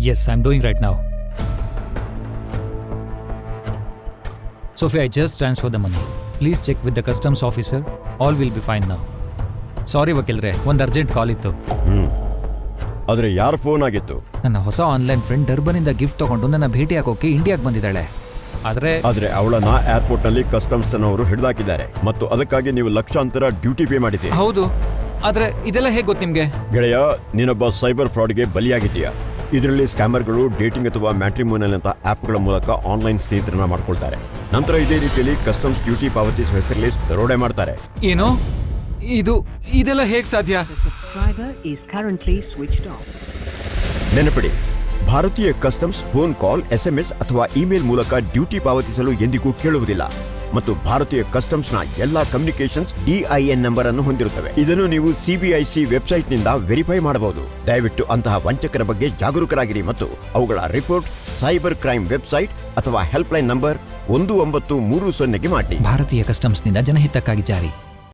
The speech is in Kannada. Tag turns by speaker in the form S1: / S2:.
S1: Yes, I'm doing right now. Sophia, I just transferred the money. Please check with the customs officer. All will be fine now. ಸಾರಿ ವಕೀಲ್ರೆ, ಒಂದು ಅರ್ಜೆಂಟ್ ಕಾಲ್ ಇತ್ತು.
S2: ಆದರೆ ಯಾರ ಫೋನ್ ಆಗಿತ್ತು?
S1: ನನ್ನ ಹೊಸ ಆನ್ಲೈನ್ ಫ್ರೆಂಡ್ ಡರ್ಬನಿಂದ ಗಿಫ್ಟ್ ತಗೊಂಡು ನನ್ನ ಭೇಟಿ ಹಾಕೋಕೆ ಇಂಡಿಯಾಗೆ ಬಂದಿದ್ದಾಳೆ. ಆದರೆ
S2: ಅವಳನ್ನ ಏರ್ಪೋರ್ಟ್ನಲ್ಲಿ ಕಸ್ಟಮ್ಸ್ ಅವರು ಹಿಡಿದಾಕಿದ್ದಾರೆ ಮತ್ತು ಅದಕ್ಕಾಗಿ ನೀವು ಲಕ್ಷಾಂತರ ಡ್ಯೂಟಿ ಪೇ ಮಾಡಿದ್ದೀರಿ.
S1: ಹೌದು, ಆದರೆ ಇದೆಲ್ಲ ಹೇಗೆ ಗೊತ್ತು ನಿಮಗೆ?
S2: ಗೆಳೆಯ, ನೀನೊಬ್ಬ ಸೈಬರ್ ಫ್ರಾಡ್ಗೆ ಬಲಿಯಾಗಿದ್ದೀಯಾ. ಇದರಲ್ಲಿ ಸ್ಕ್ಯಾಮರ್ಗಳು ಡೇಟಿಂಗ್ ಅಥವಾ ಮ್ಯಾಟ್ರಿಮೋನಿಯಲ್ ಅಂತ ಆ್ಯಪ್ಗಳ ಮೂಲಕ ಆನ್ಲೈನ್ ಸ್ನೇಹಿತರನ್ನ ಮಾಡ್ಕೊಳ್ತಾರೆ. ನಂತರ ಇದೇ ರೀತಿಯಲ್ಲಿ ಕಸ್ಟಮ್ಸ್ ಡ್ಯೂಟಿ ಪಾವತಿಸುವ ಹೆಸರಲ್ಲಿ ದರೋಡೆ ಮಾಡ್ತಾರೆ.
S1: ಏನು ಇದೆಲ್ಲ ಹೇಗೆ ಸಾಧ್ಯ?
S2: ನೆನಪಿಡಿ, ಭಾರತೀಯ ಕಸ್ಟಮ್ಸ್ ಫೋನ್ ಕಾಲ್, SMS ಅಥವಾ ಇಮೇಲ್ ಮೂಲಕ ಡ್ಯೂಟಿ ಪಾವತಿಸಲು ಎಂದಿಗೂ ಕೇಳುವುದಿಲ್ಲ ಮತ್ತು ಭಾರತೀಯ ಕಸ್ಟಮ್ಸ್ನ ಎಲ್ಲಾ ಕಮ್ಯುನಿಕೇಶನ್ಸ್ DIN ನಂಬರ್ ಅನ್ನು ಹೊಂದಿರುತ್ತವೆ. ಇದನ್ನು ನೀವು CBIC ವೆಬ್ಸೈಟ್ನಿಂದ ವೆರಿಫೈ ಮಾಡಬಹುದು. ದಯವಿಟ್ಟು ಅಂತಹ ವಂಚಕರ ಬಗ್ಗೆ ಜಾಗರೂಕರಾಗಿರಿ ಮತ್ತು ಅವುಗಳ ರಿಪೋರ್ಟ್ ಸೈಬರ್ ಕ್ರೈಮ್ ವೆಬ್ಸೈಟ್ ಅಥವಾ ಹೆಲ್ಪ್ಲೈನ್ ನಂಬರ್ 1930ಗೆ ಮಾಡಿ.
S1: ಭಾರತೀಯ ಕಸ್ಟಮ್ಸ್ನಿಂದ ಜನಹಿತಕ್ಕಾಗಿ ಜಾರಿ.